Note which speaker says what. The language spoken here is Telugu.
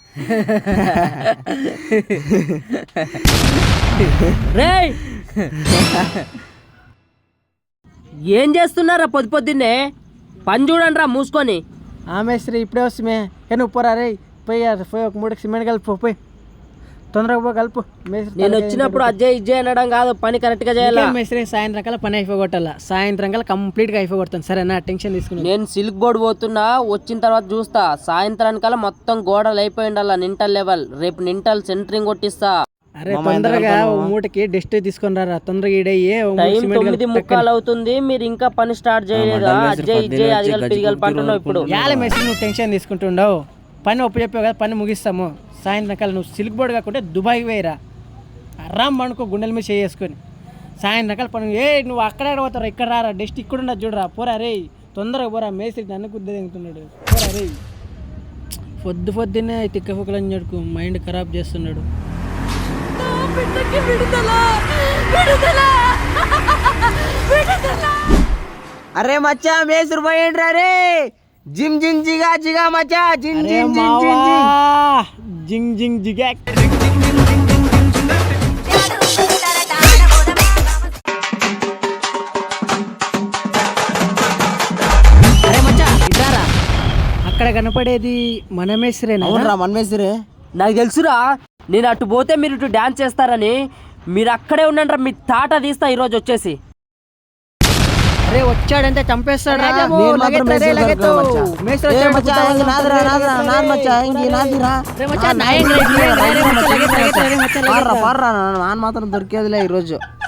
Speaker 1: రేయ్ ఏం చేస్తున్నారా పొద్దున్నే? పని చూడండి రా మూసుకొని.
Speaker 2: మేస్త్రి ఇప్పుడే వస్తుమే. నువ్వు పోరా రే, పోయి ఒక 3 సిమెంట్ కలుపు, పోయి తొందరగా పో కలుపు.
Speaker 1: నేను వచ్చినప్పుడు అజ్జయ్ ఇజ్జయ్ అనడం కాదు, పని కరెక్ట్ గా చేయాలి.
Speaker 2: మేస్త్రి సాయంత్రం కల్లా పని అయిపోగొట్టాల, సాయంత్రం కల్లా కంప్లీట్ గా అయిపోగొడతాను. సరేనా? టెన్షన్ తీసుకుని.
Speaker 1: నేను సిల్క్ బోర్డు పోతున్నా, వచ్చిన తర్వాత చూస్తా. సాయంత్రానికల్లా మొత్తం గోడలు అయిపోయి ఉండాల, నింటల్ లెవెల్. రేపు నింటల్ సెంటరింగ్ కొట్టిస్తా.
Speaker 2: అరే తొందరగా మూటకి డస్ట్ తీసుకొని రా, తొందరగా ఈడయ్యే.
Speaker 1: టైం 9:45 అవుతుంది, మీరు ఇంకా పని స్టార్ట్ చేయలేదా? అజ్జయ్ ఇజ్జయ్ అదిగల్ పిరిగల్ పంటున్నావు ఇప్పుడు.
Speaker 2: యాల మేస్త్రి నువ్వు టెన్షన్ తీసుకుంటుండవు. పని ఒప్పు చెప్పావు కదా, పని ముగిస్తాము. సాయంత్రం కల్లా నువ్వు సిల్క్ బోర్డు కాకుంటే దుబాయ్ వేయరా, అర్రాం పండుకో గుండెల మీద చేసుకొని. సాయంత్రం కల్లా పని నువ్వు అక్కడే పోతారా, ఇక్కడ రారా, డస్ట్ ఇక్కడ ఉండదు చూడరా. పోరా రే, తొందరగా పోరా. మేస్త్రి నన్ను కుద్ద తింటున్నాడు. పోరా రే, పొద్దున్నే తిక్క ఫుక్కలని చెడుకు మైండ్ ఖరాబ్ చేస్తున్నాడు.
Speaker 3: అరే మచ్చా మేసురు పోయిండ్రా రే. జిమ్ జింగ్ జిగా జిగా మచ్చా, జింగ్ జింగ్ జింగ్ జింగ్
Speaker 2: జింగ్ జింగ్ జిగా. అరే మచ్చా ఇదారా, అక్కడ కనపడేది మన మేస్త్రేనా?
Speaker 3: అవునరా, మన మేసురే.
Speaker 1: నాకు తెలుసురా, నేను అటు పోతే మీరు ఇటు డాన్స్ చేస్తారని. మీరు అక్కడే ఉండండి రా, మీ తాట తీస్తా ఈరోజు వచ్చేసి.
Speaker 2: అరే వచ్చాడంటే చంపేస్తాడు.
Speaker 3: మాత్రం దొరికేదిలే ఈరోజు.